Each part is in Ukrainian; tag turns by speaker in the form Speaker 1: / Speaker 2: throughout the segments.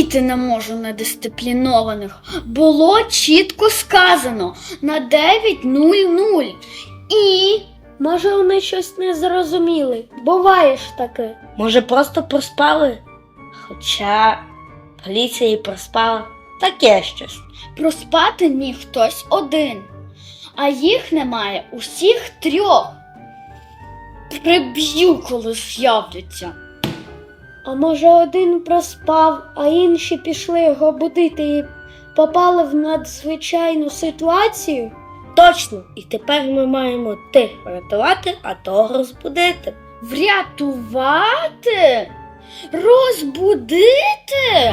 Speaker 1: терпіти не можу недисциплінованих. Було чітко сказано на 9:00. І
Speaker 2: Може, вони щось не зрозуміли. Буває ж таке.
Speaker 3: Може, просто проспали? Хоча поліція і проспала. Таке щось.
Speaker 1: проспати міг хтось один, а їх немає усіх трьох. Приб'ю, коли з'являться.
Speaker 2: А може, один проспав, а інші пішли його будити і попали в надзвичайну ситуацію?
Speaker 3: Точно. І тепер ми маємо тих врятувати, а того розбудити.
Speaker 1: Врятувати? Розбудити?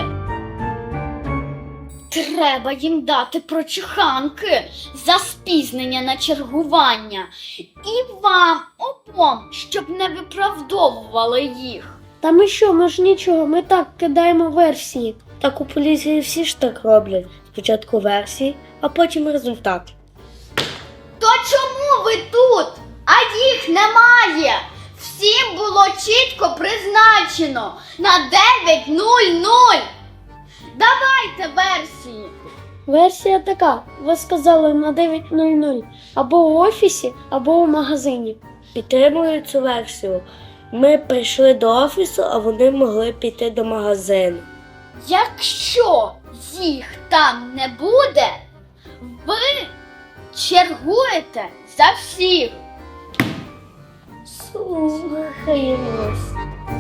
Speaker 1: Треба їм дати прочуханки за спізнення на чергування. І вам обом, щоб не виправдовували їх.
Speaker 2: Та ми що, ми ж нічого, ми так кидаємо версії.
Speaker 3: Так у поліції всі ж так роблять. Спочатку версії, а потім результат.
Speaker 1: То чому ви тут? А їх немає. Всім було чітко призначено на 9:00. Давайте версії.
Speaker 2: Версія така, ви сказали на 9:00, або у офісі, або у магазині.
Speaker 3: Підтримую цю версію. Ми прийшли до офісу, а вони могли піти до магазину.
Speaker 1: Якщо їх там не буде, ви чергуєте за всіх.
Speaker 2: Слухаємось.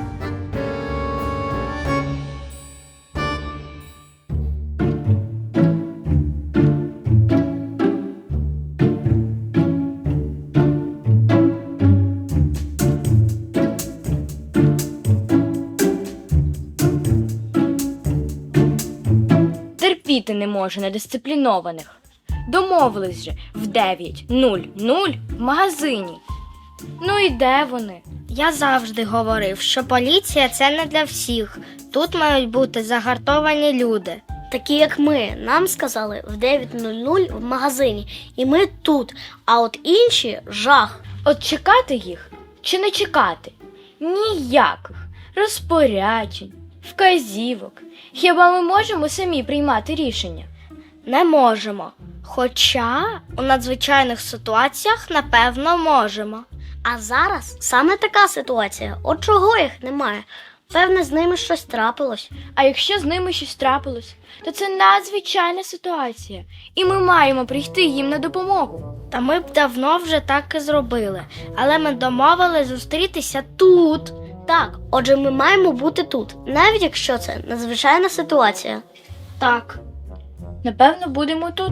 Speaker 4: Терпіти не можу недисциплінованих. Домовились же в 9:00 в магазині. Ну і де вони?
Speaker 5: Я завжди говорив, що поліція – це не для всіх. Тут мають бути загартовані люди. Такі, як ми. Нам сказали в 9:00 в магазині. І ми тут. А от інші – жах.
Speaker 4: От чекати їх чи не чекати? Ніяких розпоряджень, вказівок. Хіба ми можемо самі приймати рішення?
Speaker 5: Не можемо. Хоча у надзвичайних ситуаціях, напевно, можемо. А зараз саме така ситуація. От чого їх немає? Певне, з ними щось трапилось.
Speaker 4: А якщо з ними щось трапилось, то це надзвичайна ситуація. І ми маємо прийти їм на допомогу.
Speaker 5: Та ми б давно вже так і зробили. Але ми домовились зустрітися тут. Так, отже, ми маємо бути тут, навіть якщо це надзвичайна ситуація. Так.
Speaker 4: Напевно, будемо тут.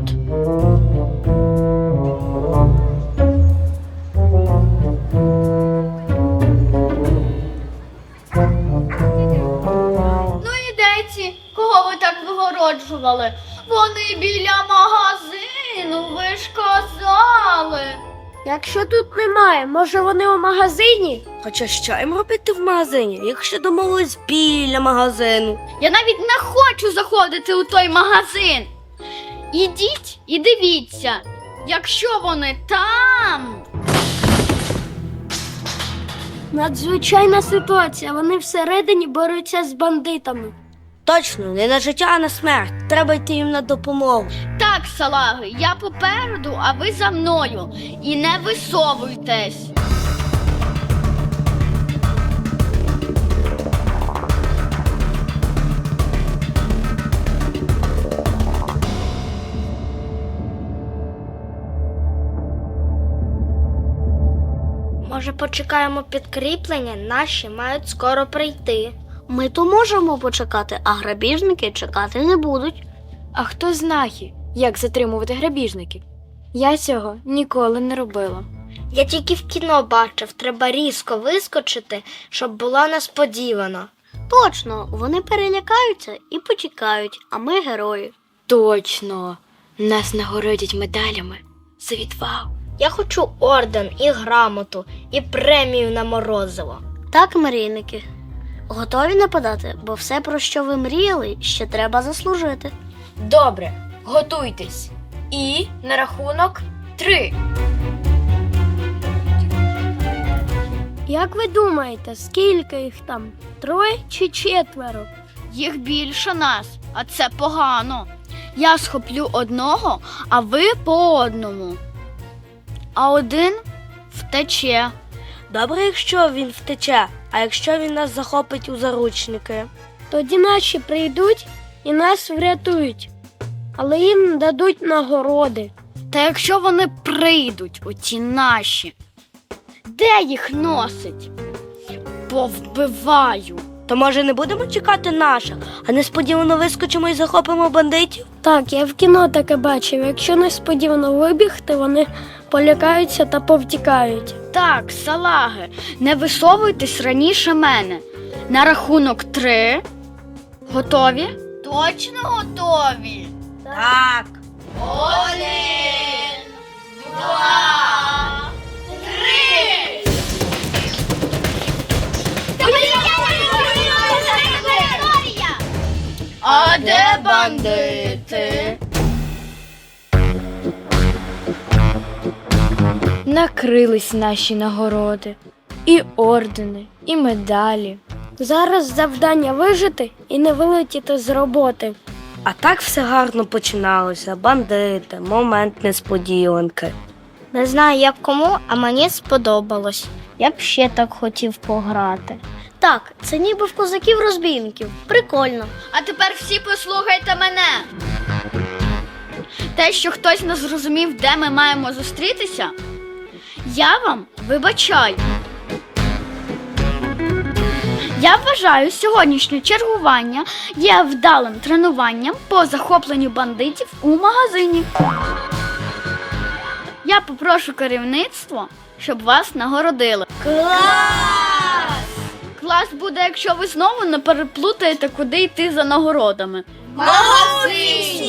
Speaker 1: Ну і де ці, кого ви так вигороджували? Вони біля магазину, ви ж казали.
Speaker 2: Якщо тут немає, може вони у магазині?
Speaker 3: Хоча що їм робити в магазині, якщо домовились біля магазину?
Speaker 1: Я навіть не хочу заходити у той магазин. Ідіть і дивіться, якщо вони там.
Speaker 2: Надзвичайна ситуація, вони всередині борються з бандитами.
Speaker 3: Точно, не на життя, а на смерть. Треба йти їм на допомогу.
Speaker 1: Так, салаги, я попереду, а ви за мною. І не висовуйтесь.
Speaker 5: Може, почекаємо підкріплення? Наші мають скоро прийти. Ми то можемо почекати, а грабіжники чекати не будуть.
Speaker 4: А хто знає, як затримувати грабіжників? Я цього ніколи не робила.
Speaker 5: Я тільки в кіно бачив, треба різко вискочити, щоб було несподівано. Точно, вони перелякаються і потікають, а ми герої.
Speaker 4: Точно, нас нагородять медалями за відвагу.
Speaker 5: Я хочу орден і грамоту, і премію на морозиво. Так, мрійники. Готові нападати, бо все, про що ви мріяли, ще треба заслужити.
Speaker 4: Добре, готуйтесь. І на рахунок 3.
Speaker 2: Як ви думаєте, скільки їх там? 3 чи 4?
Speaker 1: Їх більше нас, а це погано. Я схоплю одного, а ви по одному. А один втече.
Speaker 3: Добре, якщо він втече, а якщо він нас захопить у заручники?
Speaker 2: Тоді наші прийдуть і нас врятують, але їм дадуть нагороди.
Speaker 1: Та якщо вони прийдуть, оті наші, де їх носить? Повбиваю.
Speaker 3: То може не будемо чекати наших, а несподівано вискочимо і захопимо бандитів?
Speaker 2: Так, я в кіно таке бачив. Якщо несподівано вибігти, вони полякаються та повтікають.
Speaker 1: Так, салаги, не висовуйтесь раніше мене. На рахунок 3. Готові? Точно готові.
Speaker 3: Так.
Speaker 1: 1, 2, 3. А де бандити?
Speaker 4: Накрились наші нагороди. І ордени, і медалі.
Speaker 2: Зараз завдання вижити і не вилетіти з роботи.
Speaker 3: А так все гарно починалося. Бандити, момент несподіванки.
Speaker 5: Не знаю, як кому, а мені сподобалось. Я б ще так хотів пограти. Так, це ніби в козаків-розбійників. Прикольно.
Speaker 1: А тепер всі послухайте мене. Те, що хтось не зрозумів, де ми маємо зустрітися, я вам вибачаю. Я вважаю, сьогоднішнє чергування є вдалим тренуванням по захопленню бандитів у магазині. Я попрошу керівництво, щоб вас нагородили. Клас буде, якщо ви знову не переплутаєте, куди йти за нагородами. Магазин!